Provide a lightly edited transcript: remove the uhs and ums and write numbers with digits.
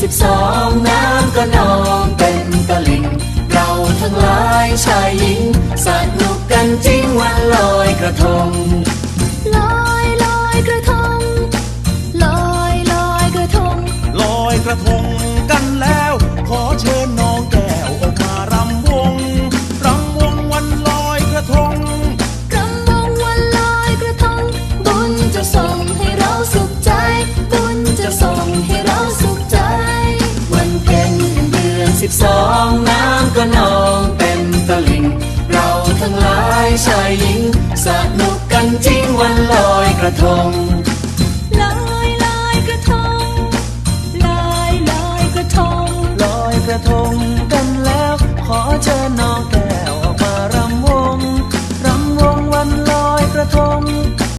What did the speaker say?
12น้ำก็นองเต็มตลิ่งเราทั้งหลายชายหญิงสนุกกันจริงวันลอยกระทงลอยลอยกระทงลอยลอยกระทงลอยกระทงกันแล้วขอเชิญน้องแก้วออกมารำวงวันลอยกระทงรำวงวันลอยกระทงบุญจะส่งให้เราสุขใจบุญจะส่งให้เราสุขใจวันเพ็ญเดือน12น้ำก็นองเต็มตลิ่งเราทั้งหลายชายหญิงสนุกกันจริงวันลอยกระทงลอยลอยกระทงลอยลอยกระทงลอยกระทงกันแล้วขอเชิญ